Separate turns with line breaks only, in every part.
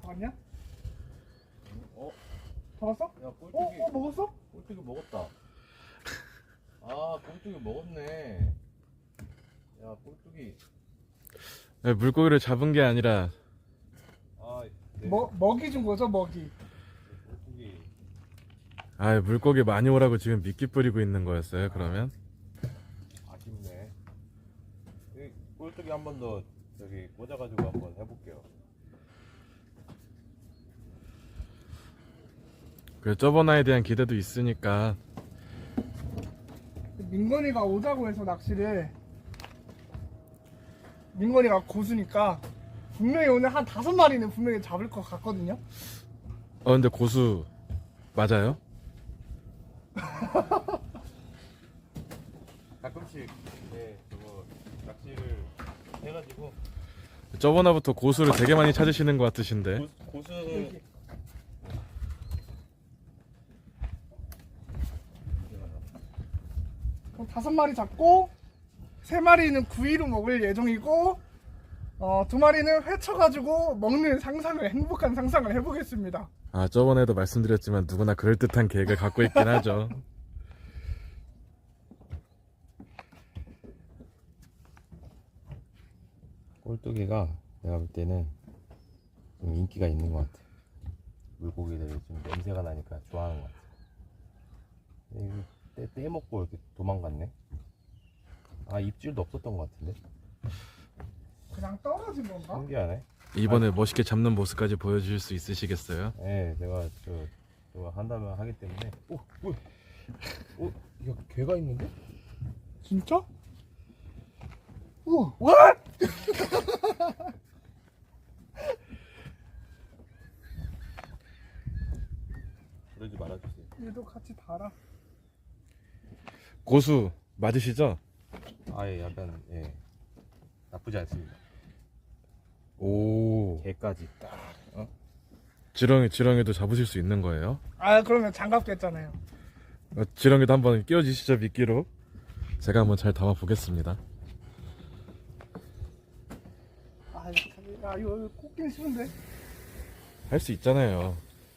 잡았냐?
어?
잡았어?
야, 꼴뚜기.
먹었어?
꼴뚜기 먹었다. 아, 꼴뚜기 먹었네. 야, 꼴뚜기.
네, 물고기를 잡은 게 아니라
아, 네.
먹이 준 거죠, 먹이.
꼴뚜기.
물고기 많이 오라고 지금 미끼 뿌리고 있는 거였어요. 그러면
아쉽네. 이 꼴뚜기 한 번 더 저기 꽂아가지고 한번 해볼게요.
그 저번 화에 대한 기대도 있으니까.
민건이가 오자고 해서 낚시를. 민건이가 고수니까 분명히 오늘 한 5마리는 분명히 잡을 것 같거든요.
근데 고수 맞아요?
가끔씩 저거 낚시를 해가지고
저번 화부터 고수를 되게 많이 찾으시는 것 같으신데.
고수는
그럼 5마리 잡고 3마리는 구이로 먹을 예정이고 2마리는 회쳐가지고 먹는 상상을, 행복한 상상을 해보겠습니다.
저번에도 말씀드렸지만 누구나 그럴듯한 계획을 갖고 있긴 하죠.
꼴뚜기가 내가 볼 때는 좀 인기가 있는 것 같아. 물고기들이 좀 냄새가 나니까 좋아하는 것 같아. 이거 떼먹고 이렇게 도망갔네. 아, 입질도 없었던 것 같은데.
그냥 떨어진 건가?
신기하네.
이번에 멋있게 잡는 모습까지 보여주실 수 있으시겠어요?
네, 내가 저거 한다면 하기 때문에. 오, 뭐야? 야, 개가 있는데?
진짜? 우와, what?
그러지 말아주세요.
얘도 같이 달아.
고수 맞으시죠?
예, 약간 나쁘지 않습니다.
오,
개까지 딱.
지렁이도 잡으실 수 있는 거예요?
그러면 장갑 꼈잖아요.
지렁이도 한번 끼워주시죠, 미끼로. 제가 한번 잘 담아 보겠습니다.
이거 꽂긴 싫은데.
할 수 있잖아요.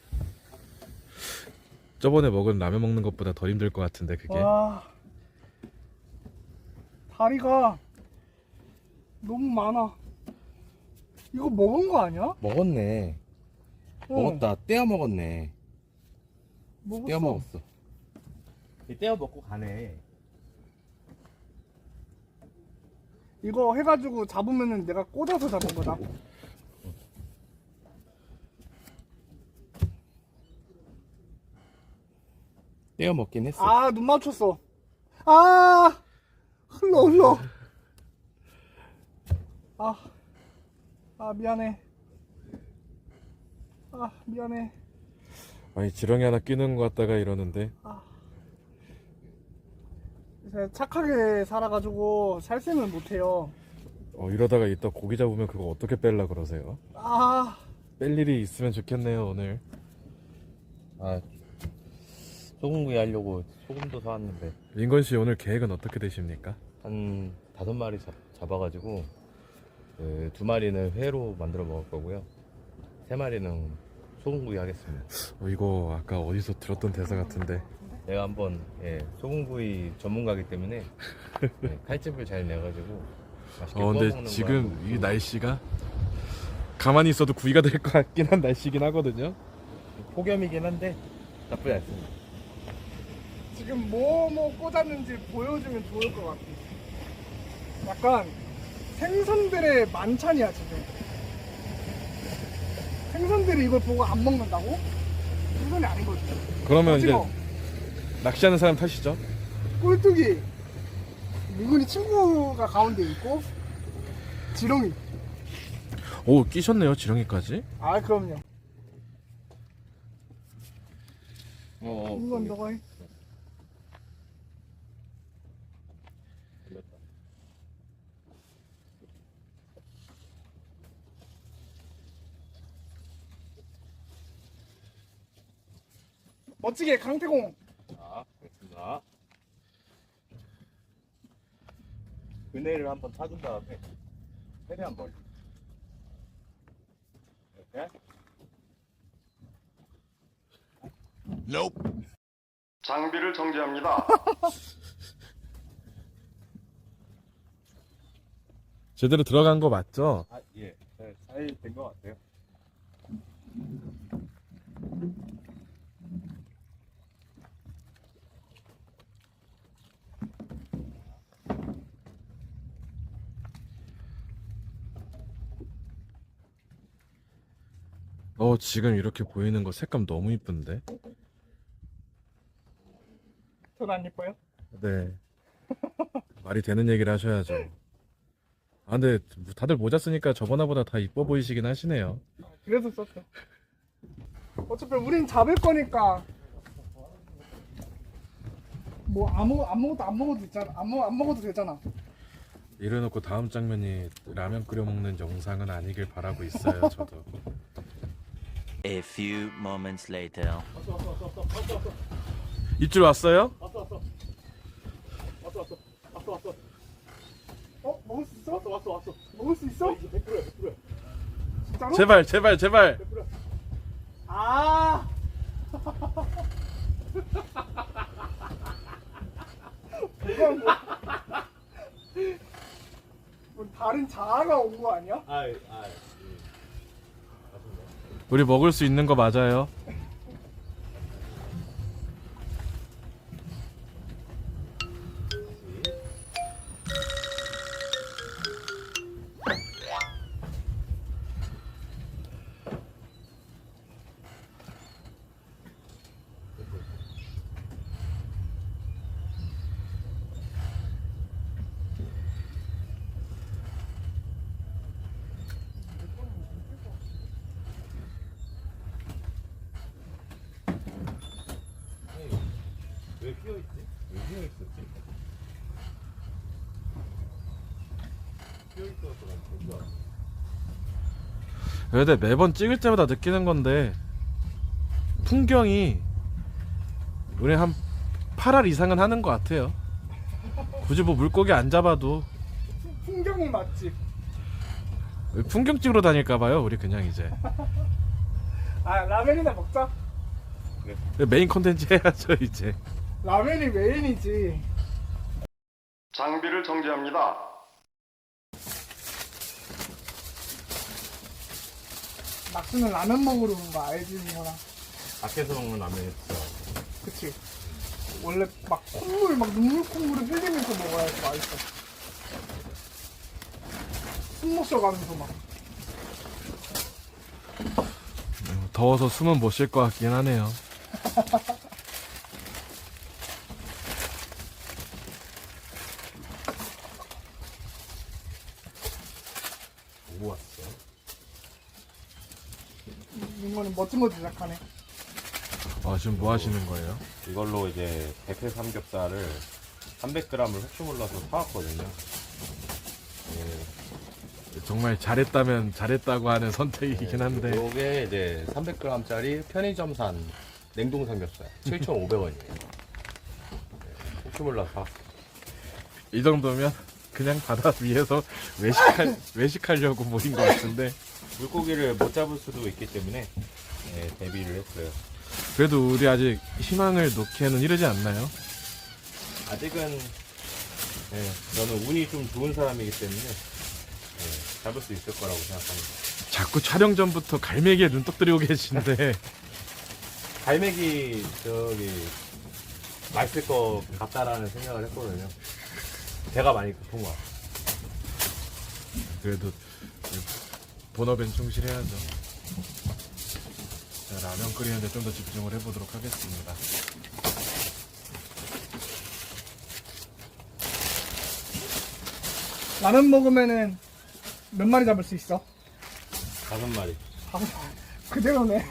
저번에 먹은 라면 먹는 것보다 덜 힘들 것 같은데 그게.
와, 다리가 너무 많아. 이거 먹은 거 아니야?
먹었네. 먹었다. 떼어 먹었네.
먹었어.
떼어 먹었어. 떼어 먹고 가네.
이거 해가지고 잡으면은 내가 꽂아서 잡은 거다.
떼어 먹긴 했어.
눈 맞췄어. 흘러. 미안해. 미안해.
아니 지렁이 하나 끼는 것 같다가 이러는데.
제가 착하게 살아가지고 살생을 못해요.
이러다가 이따 고기 잡으면 그거 어떻게 뺄라 그러세요? 뺄 일이 있으면 좋겠네요 오늘.
소금구이 하려고 소금도 사왔는데
민건씨 오늘 계획은 어떻게 되십니까?
한 5마리 잡아가지고 2마리는 회로 만들어 먹을 거고요. 3마리는 소금구이 하겠습니다.
이거 아까 어디서 들었던 대사 같은데.
내가 한번 소금구이 전문가이기 때문에 칼집을 잘 내가지고 맛있게 구워
근데
먹는 거
지금
한번
이 날씨가 가만히 있어도 구이가 될 것 같긴 한 날씨긴 하거든요.
폭염이긴 한데 나쁘지 않습니다.
지금 뭐 꽂았는지 보여주면 좋을 것 같아. 약간 생선들의 만찬이야 지금. 생선들이 이걸 보고 안 먹는다고? 생선이 아니거든.
그러면 이제
오징어,
낚시하는 사람 탓이죠.
꼴뚜기, 민군이 친구가 가운데 있고 지렁이.
오, 끼셨네요 지렁이까지.
그럼요.
어,
이건 너가 해.
들렸다.
멋지게 강태공.
자, 됐습니다. 그네를 한번 타준 다음에 최대한 멀리 이렇게
장비를 정지합니다.
제대로 들어간 거 맞죠?
아, 예. 잘 된 것 같아요.
지금 이렇게 보이는 거 색감 너무 이쁜데?
전 안 예뻐요?
네. 말이 되는 얘기를 하셔야죠. 아, 근데 다들 모자 쓰니까 저번화보다 다 이뻐 보이시긴 하시네요.
그래서 썼죠. 어차피 우린 잡을 거니까 뭐 아무것도 안 먹어도 있잖아. 안 먹어도 되잖아.
이래놓고 다음 장면이 라면 끓여 먹는 영상은 아니길 바라고 있어요, 저도.
A few moments later.
입질 왔어요?
먹을 수 있어? 왔어. 먹을 수 있어? 100%야. 진짜로?
제발.
아. 이건 뭐 다른 자아가 온 거 아니야?
우리 먹을 수 있는 거 맞아요.
왜 휘어있지? 왜 휘어있었지? 휘어있어서 난 좋아.
근데 매번 찍을 때마다 느끼는 건데 풍경이 우리 한 8알 이상은 하는 것 같아요. 굳이 뭐 물고기 안 잡아도
풍경은 맛집.
풍경 찍으러 다닐까봐요. 우리 그냥 이제
아 라면이나 먹자.
메인 콘텐츠 해야죠 이제.
라면이 메인이지.
장비를 정지합니다.
낙수는 라면 먹으러 온 거 알지, 이거나.
밖에서 먹는 라면이 진짜
그치? 원래 막 콧물, 막 눈물 콧물을 흘리면서 먹어야지 맛있어. 숨 못 쉬어가면서 막.
더워서 숨은 못 쉴 것 같긴 하네요.
오고 왔어.
이거는 멋진 거 제작하네.
지금 뭐 하시는 거예요?
이걸로 이제 대패 삼겹살을 300g을 혹시 몰라서 사왔거든요.
정말 잘했다면 잘했다고 하는 선택이긴 한데
요게 이제 300g짜리 편의점산 냉동 삼겹살 7,500원이에요. 혹시 몰라서 사왔어요.
이 정도면 그냥 바다 위에서 외식하려고 모인 것 같은데
물고기를 못 잡을 수도 있기 때문에 대비를 했어요.
그래도 우리 아직 희망을 놓기에는 이르지 않나요?
아직은 저는 운이 좀 좋은 사람이기 때문에 잡을 수 있을 거라고 생각합니다.
자꾸 촬영 전부터 갈매기에 눈독 들이고 계신데
갈매기 맛있을 것 같다라는 생각을 했거든요. 배가 많이 고픈 것 같아요.
그래도 본업엔 충실해야죠. 자, 라면 끓이는데 좀 더 집중을 해보도록 하겠습니다.
라면 먹으면은 몇 마리 잡을 수 있어?
5마리.
그대로네.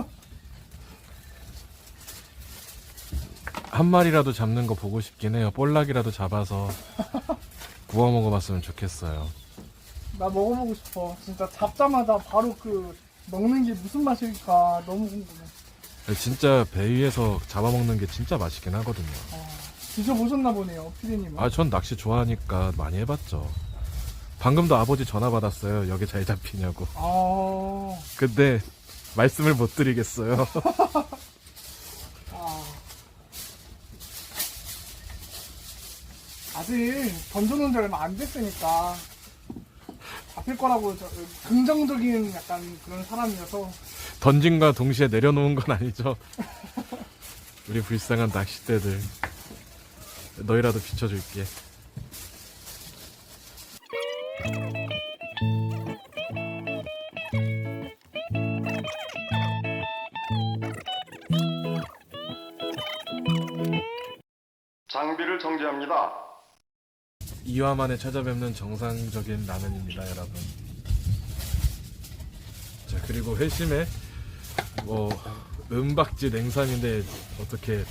한 마리라도 잡는 거 보고 싶긴 해요. 볼락이라도 잡아서 구워 먹어봤으면 좋겠어요.
나 먹어보고 싶어. 진짜 잡자마자 바로 그 먹는 게 무슨 맛일까 너무 궁금해.
진짜 배 위에서 잡아먹는 게 진짜 맛있긴 하거든요.
드셔보셨나 보네요, 피디님은.
전 낚시 좋아하니까 많이 해봤죠. 방금도 아버지 전화 받았어요. 여기 잘 잡히냐고. 근데 말씀을 못 드리겠어요.
아직 던져놓은 지 얼마 안 됐으니까 잡힐 거라고 긍정적인 약간 그런 사람이어서.
던짐과 동시에 내려놓은 건 아니죠. 우리 불쌍한 낚싯대들. 너희라도 비춰줄게.
장비를 정지합니다.
2화 만에 찾아뵙는 정상적인 라면입니다, 여러분. 자, 그리고 회심에 은박지 냉삼인데 어떻게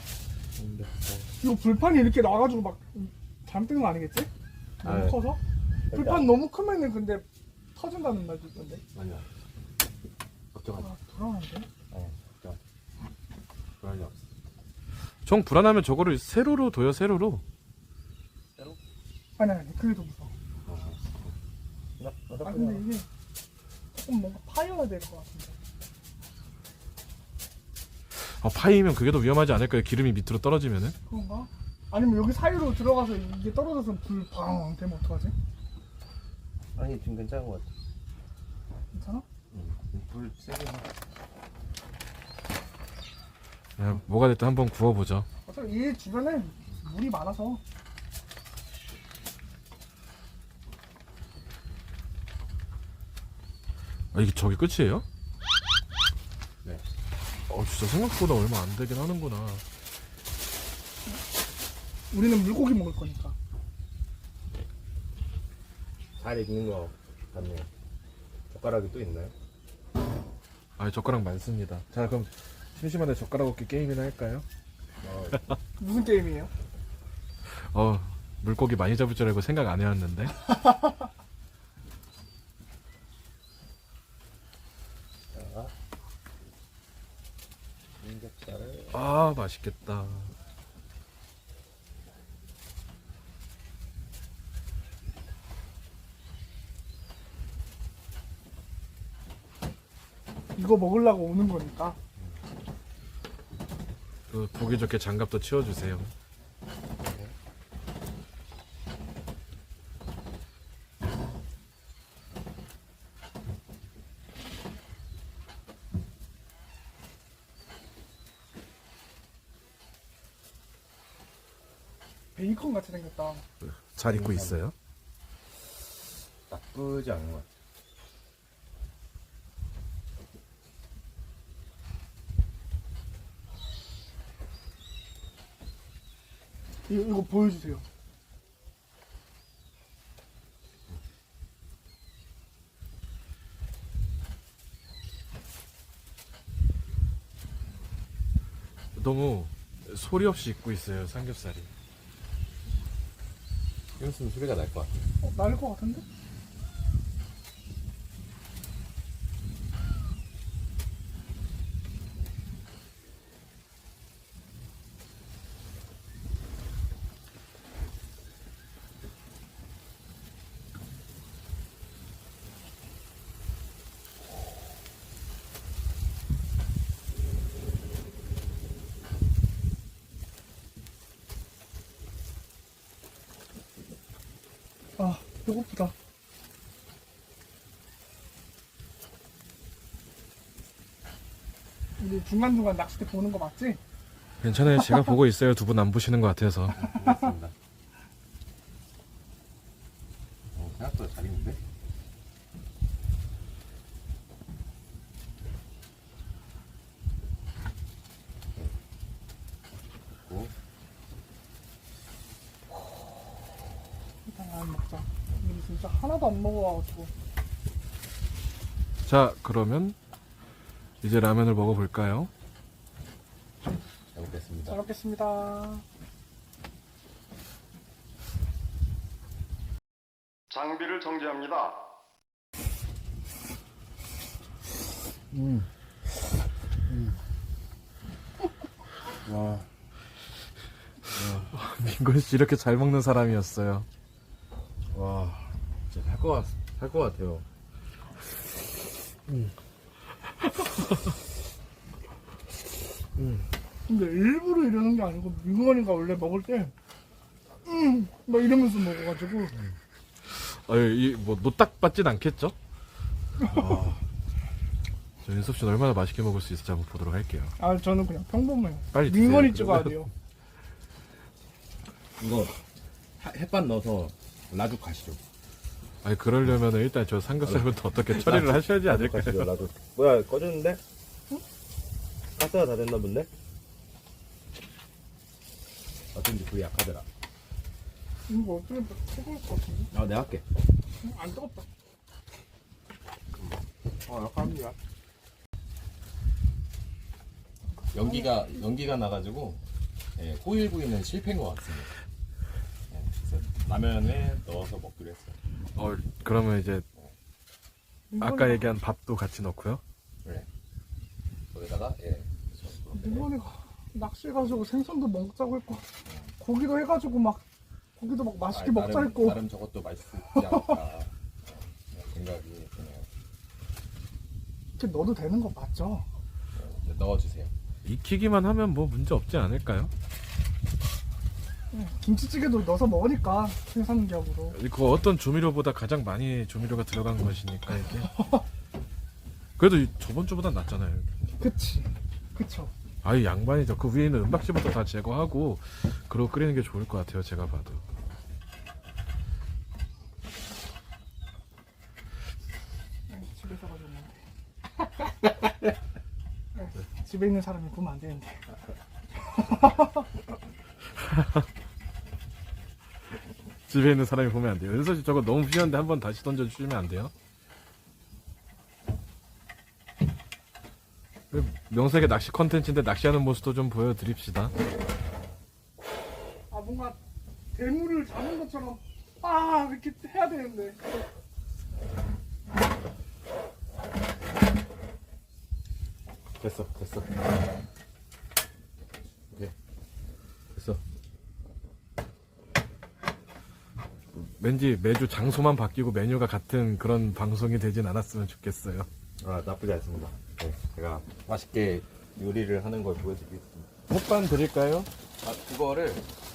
이거 불판이 이렇게 나가지고 막 잘못된 거 아니겠지? 너무
아,
커서? 불판 너무 크면은 근데 터진다는 말도 있던데.
아니야. 걱정하지 마.
아, 불안한데?
걱정하지 마. 그럴 리 없어.
정 불안하면 저거를 세로로 둬요, 세로로.
아니, 그게 더 무서워.
나
아, 근데 이게 조금 뭔가 파여야 될 것 같은데.
파이면 그게 더 위험하지 않을까요? 기름이 밑으로 떨어지면은.
그런가? 아니면 여기 사이로 들어가서 이게 떨어져서 불방 되면 어떡하지?
아니 지금 괜찮은 것 같아.
괜찮아?
불 세게 해.
그냥 뭐가 됐든 한번 구워보죠.
어차피 이 주변에 물이 많아서.
이게 저게 끝이에요?
네.
진짜 생각보다 얼마 안 되긴 하는구나.
우리는 물고기 먹을 거니까.
잘 익는 거 같네요. 젓가락이 또 있나요?
젓가락 많습니다. 자, 그럼 심심한데 젓가락 얻기 게임이나 할까요?
무슨 게임이에요?
물고기 많이 잡을 줄 알고 생각 안 해왔는데.
삼겹살을
맛있겠다.
이거 먹으려고 오는 거니까.
보기 좋게 장갑도 치워주세요.
베이컨 같이 생겼다.
잘 입고 있어요?
나쁘지 않은 것 같아.
이거 보여주세요.
너무 소리 없이 입고 있어요, 삼겹살이.
이랬으면 소리가 날 것 같아.
나을 것 같은데? 아, 배고프다. 우리 중간중간 낚싯대 보는 거 맞지?
괜찮아요. 제가 보고 있어요. 두 분 안 보시는 것 같아서.
고맙습니다. 생각보다 잘 익는데?
일단 안 먹자. 우리 진짜 하나도 안 먹어가지고.
자, 그러면 이제 라면을 먹어볼까요?
잘 먹겠습니다.
잘 먹겠습니다.
장비를 정지합니다.
와,
민건 씨 이렇게 잘 먹는 사람이었어요.
와, 진짜 살 것 같아요.
근데 일부러 이러는 게 아니고 민건이가 원래 먹을 때 뭐 이러면서 먹어가지고
이뭐 노딱 받진 않겠죠? 저 윤섭 씨는 얼마나 맛있게 먹을 수 있을지 한번 보도록 할게요.
아 저는 그냥 평범해요.
빨리
민건이
드세요,
찍어야
그러면.
돼요.
이거 햇반 넣어서 라죽 가시죠.
아니 그러려면 일단 저 삼겹살부터 어떻게 처리를 하셔야지 않을까요?
가시죠. 라죽. 뭐야 꺼졌는데? 가스가 다 됐나 본데? 어쩐지 불이 약하더라.
이거 어떻게 뜨거울 것 같은데?
아 내가 할게.
안 뜨겁다.
약합니다. 연기가 나가지고 호일 구이는 실패인 것 같습니다. 그래서 라면에 넣어서 먹기로 했어요.
그러면 이제 아까 얘기한 밥도 같이 넣고요.
그래. 거기다가
민건이가 낚시해가지고 생선도 먹자고 했고 고기도 해가지고 막 고기도 막 맛있게 먹자 했고
나름 저것도 맛있지 않을까 생각이 드네요.
이렇게 넣어도 되는 거 맞죠?
이제 넣어주세요.
익히기만 하면 뭐 문제 없지 않을까요?
김치찌개도 넣어서 먹으니까 생선기업으로.
그 어떤 조미료보다 가장 많이 조미료가 들어간 것이니까 이게. 그래도 저번 주보다 낫잖아요.
그치 그쵸.
아이 양반이죠. 그 위에 있는 은박지부터 다 제거하고 그러고 끓이는 게 좋을 것 같아요. 제가 봐도.
집에서 가졌는데 집에 있는 사람이 보면 안 되는데.
집에 있는 사람이 보면 안 돼요. 은서 씨 저거 너무 휘한데 한번 다시 던져주시면 안 돼요? 명색의 낚시 컨텐츠인데 낚시하는 모습도 좀 보여드립시다.
아 뭔가 대물을 잡은 것처럼 아 이렇게 해야 되는데.
됐어. 오케이. 됐어.
왠지 매주 장소만 바뀌고 메뉴가 같은 그런 방송이 되진 않았으면 좋겠어요.
아 나쁘지 않습니다. 네, 제가 맛있게 요리를 하는 걸 보여드리겠습니다.
햇반 드릴까요?
그거를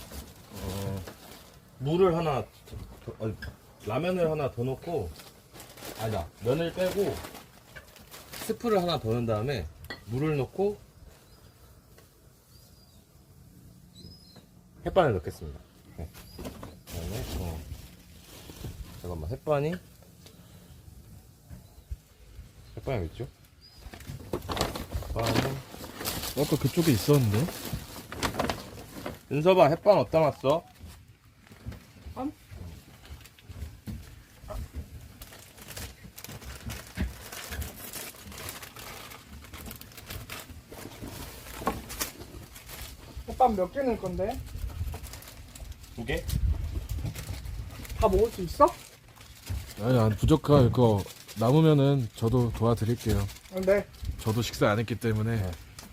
물을 하나 라면을 하나 더 넣고 아니다 면을 빼고 스프를 하나 더 넣은 다음에 물을 넣고 햇반을 넣겠습니다. 네. 그다음에 잠깐만 햇반이 어디 있죠? 햇반은
아까 그쪽에 있었는데?
은서봐 햇반 어디다 놨어?
햇반 몇 개 넣을 건데?
2개?
다 먹을 수 있어?
아니 부족할 거 남으면은 저도 도와드릴게요.
네.
저도 식사 안 했기 때문에.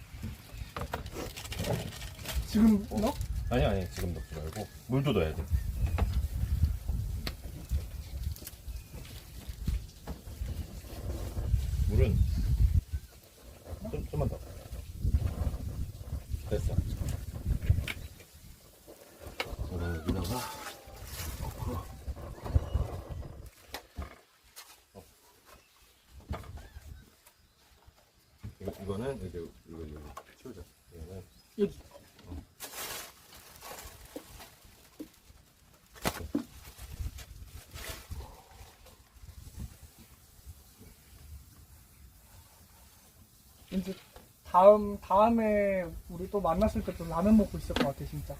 지금 넣어?
아니 지금 넣지 말고 물도 넣어야 돼. 물은 좀만 더. 됐어. 그럼 여기다가 이거는 이거 치우자. 이거는
여기. 이제 다음에 우리 또 만났을 때 또 라면 먹고 있을 것 같아 진짜.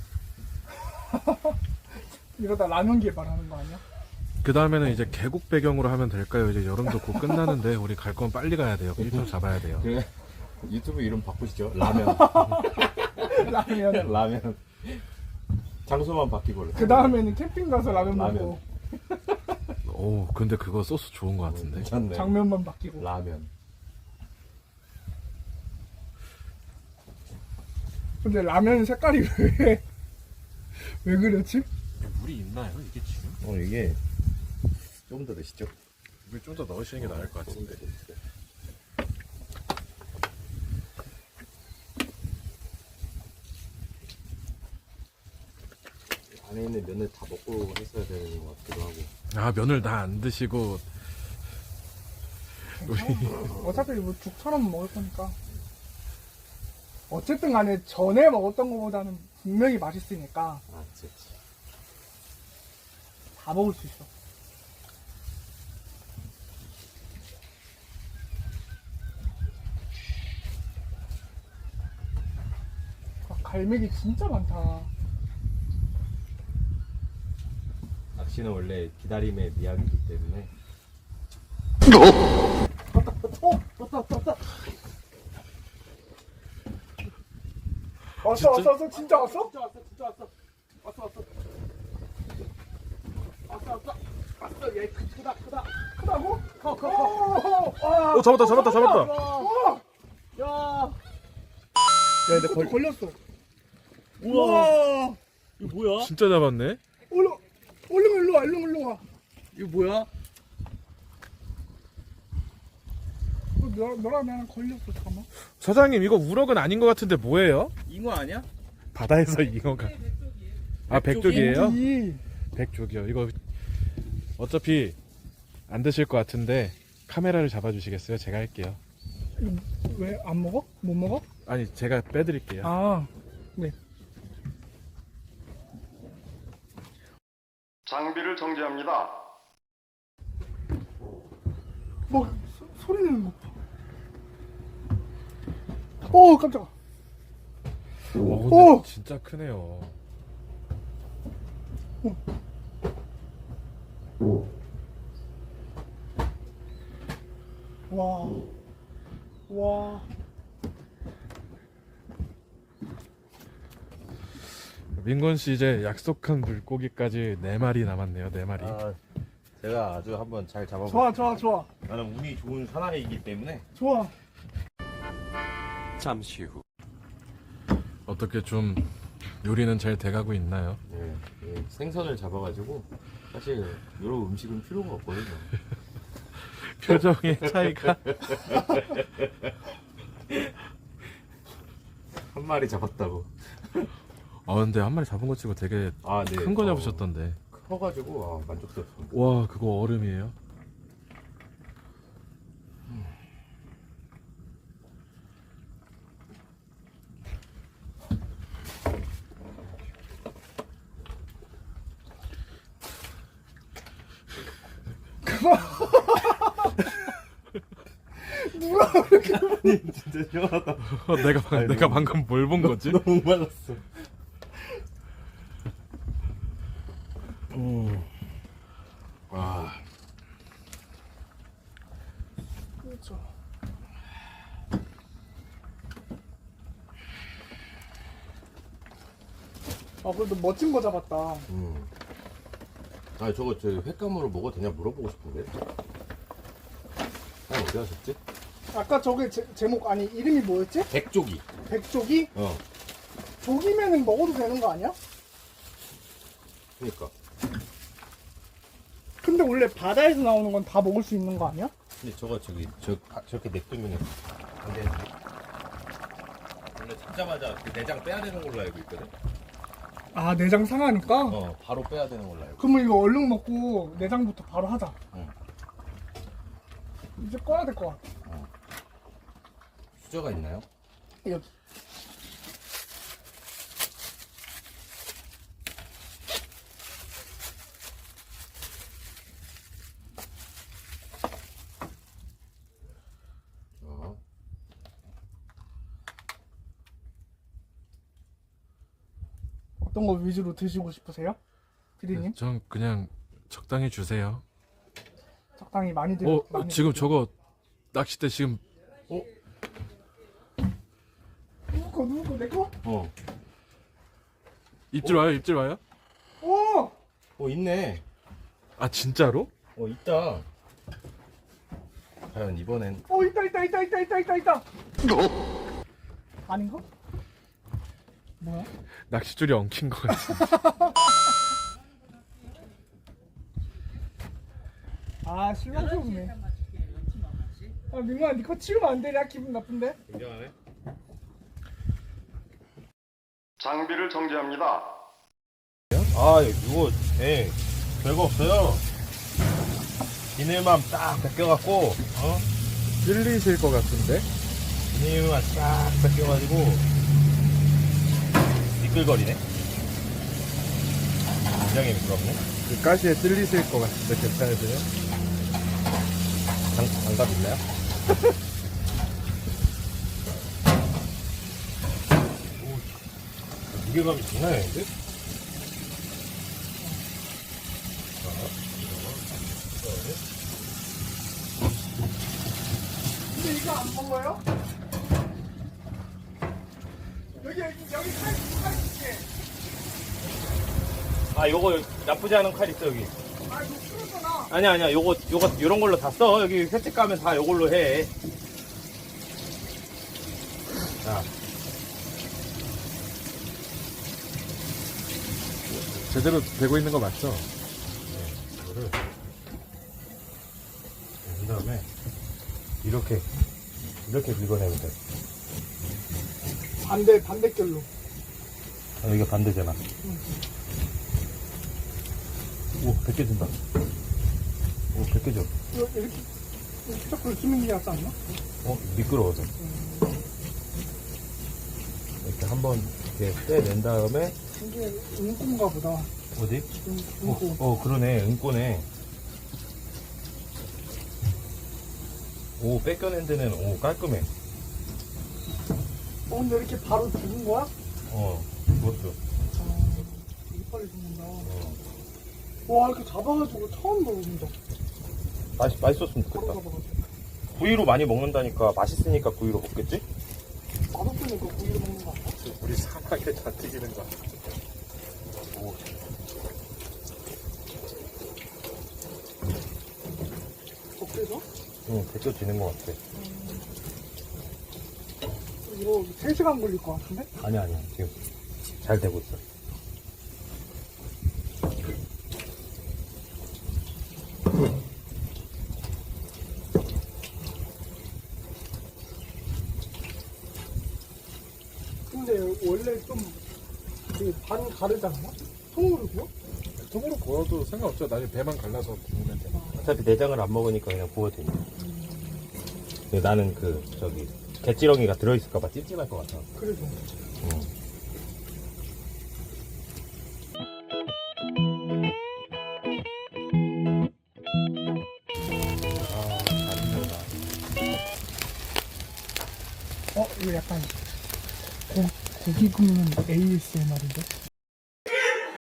이러다 라면 개발하는 거 아니야?
그 다음에는 이제 계곡 배경으로 하면 될까요? 이제 여름도 곧 끝나는데 우리 갈 건 빨리 가야 돼요. 일정 잡아야 돼요.
그래 유튜브 이름 바꾸시죠. 라면.
라면.
라면. 장소만 바뀌고.
그 다음에는 캠핑 가서 라면
라면.
먹고
오 근데 그거 소스 좋은 것 같은데.
괜찮네.
장면만 바뀌고.
라면.
근데 라면 색깔이 왜 그렇지?
물이 있나요? 이게 지금?
이게 좀 더 드시죠.
물 좀 더 넣으시는 게 나을 것 같은데.
안에 안에 있는 면을 다 먹고 했어야 되는 것 같기도 하고.
아 면을 다 안 드시고
어차피 뭐 죽처럼 먹을 거니까. 어쨌든 간에 전에 먹었던 것보다는 분명히 맛있으니까
아, 그치.
다 먹을 수 있어. 아, 갈매기 진짜 많다.
낚시는 원래 기다림의 미학이기 때문에.
왔어, 왔어, 진짜 왔어? 진짜 왔어, 진짜 왔어. 왔어, 얘 크다고? 커.
잡았다.
야, 근데 걸렸어. 우와.
이거 뭐야?
진짜 잡았네.
얼른 일로 와.
이거 뭐야?
너랑 나랑 걸렸어, 잠깐만.
사장님 이거 우럭은 아닌 것 같은데 뭐예요?
잉어 아니야?
바다에서 잉어가. 아 백조기예요?
이
백조기요. 이거 어차피 안 드실 것 같은데 카메라를 잡아주시겠어요? 제가 할게요.
왜 안 먹어? 못 먹어?
아니 제가 빼드릴게요.
아, 네.
장비를 정지합니다.
뭐 소리 내는 거. 오, 깜짝아.
근데
오!
진짜 크네요.
와.
민건 씨 이제 약속한 물고기까지 4마리 남았네요. 4마리.
아, 제가 아주 한번 잘 잡아볼게요.
좋아.
나는 운이 좋은 사나이이기 때문에.
좋아.
잠시 후.
어떻게 좀 요리는 잘 돼가고 있나요?
네, 네, 생선을 잡아가지고 사실 이런 음식은 필요가 없거든요.
표정의 차이가.
한 마리 잡았다고.
근데 한 마리 잡은 거 치고 되게
아, 네.
큰 거 잡으셨던데.
커가지고 만족스럽습니다.
와 그거 얼음이에요?
진짜 시원하다.
내가 방금 뭘 본 거지?
너무 말랐어. 와.
그렇죠. 그래도 멋진 거 잡았다.
아, 저거 저 횟감으로 먹어도 되냐 물어보고 싶은데. 어디 하셨지?
아까 저게 제목 아니 이름이 뭐였지?
백조기.
백조기?
어.
조기면은 먹어도 되는 거 아니야?
그러니까.
근데 원래 바다에서 나오는 건 다 먹을 수 있는 거 아니야?
근데 저렇게 냅두면 안 돼. 원래 잡자마자 그 내장 빼야 되는 걸로 알고 있거든.
아, 내장 상하니까?
바로 빼야 되는 걸로 알고.
그러면 이거 얼른 먹고 내장부터 바로 하자.
응.
이제 꺼야 될 것 같아.
수저가 있나요?
여기. 어떤 거 위주로 드시고 싶으세요? 피디님?
전 그냥 적당히 주세요.
적당히 많이 드세요.
지금 저거 낚싯대 지금
누구 거? 내 거?
입질 와요?
있네.
아 진짜로?
있다. 과연 이번엔
있다. 아닌가? 뭐야?
낚싯줄이 엉킨 거 같아.
아, 실망스럽네. 민구야, 니거 치우면 안 돼. 나 기분 나쁜데?
굉장하네.
장비를 정지합니다.
아, 이거, 예, 별거 없어요. 비닐만 딱 벗겨갖고,
찔리실 것 같은데?
비닐만 딱 벗겨가지고, 미끌거리네. 굉장히 미끄럽네.
그 가시에 찔리실 것 같은데 괜찮으세요?
장갑 있나요? 오, 무게감이 장난 아닌데?
근데 이거 안 먹어요? 여기 칼 있게.
아, 요거 나쁘지 않은 칼 있어, 여기.
아 이거 풀었잖아.
아니야, 요거, 요런 걸로 다 써. 여기 횟집 가면 다 요걸로 해. 자,
제대로 되고 있는 거 맞죠?
이거를, 그 다음에, 이렇게 긁어내면 돼.
반대결로.
아, 여기가 반대잖아. 오, 벗겨진다. 오, 벗겨져.
이렇게 자꾸 쓰는 게 낫지 않나?
미끄러워서. 이렇게 한번 이렇게 떼낸 다음에,
이게 은꼬인가 보다.
어디?
은꼬.
그러네. 은꼬네. 오, 뺏겨낸 데는, 깔끔해.
근데 이렇게 바로 죽은 거야?
그것도.
되게 빨리 죽는다. 와 이렇게 잡아가지고 처음 먹는다.
맛있었으면
바로
좋겠다.
잡아가지고.
구이로 많이 먹는다니까, 맛있으니까 구이로 먹겠지?
맛없으니까 고기를 먹는 거 아니야?
우리 사막에 다 튀기는 거.
오,
어때서?
응, 벗겨지는 것 같아.
이거 3시간 걸릴 것 같은데?
아니야. 지금 잘 되고 있어.
근데 원래 반 가르지 않나? 통으로 구워?
통으로 구워도 상관없죠. 나중에 배만 갈라서 구우면 돼.
어차피 내장을 안 먹으니까 그냥 구워도 되니까. 근데 나는 갯지렁이가 들어있을까봐 찝찝할 것 같아.
그래서. 이거 약간 고기 굽는 ASMR인데?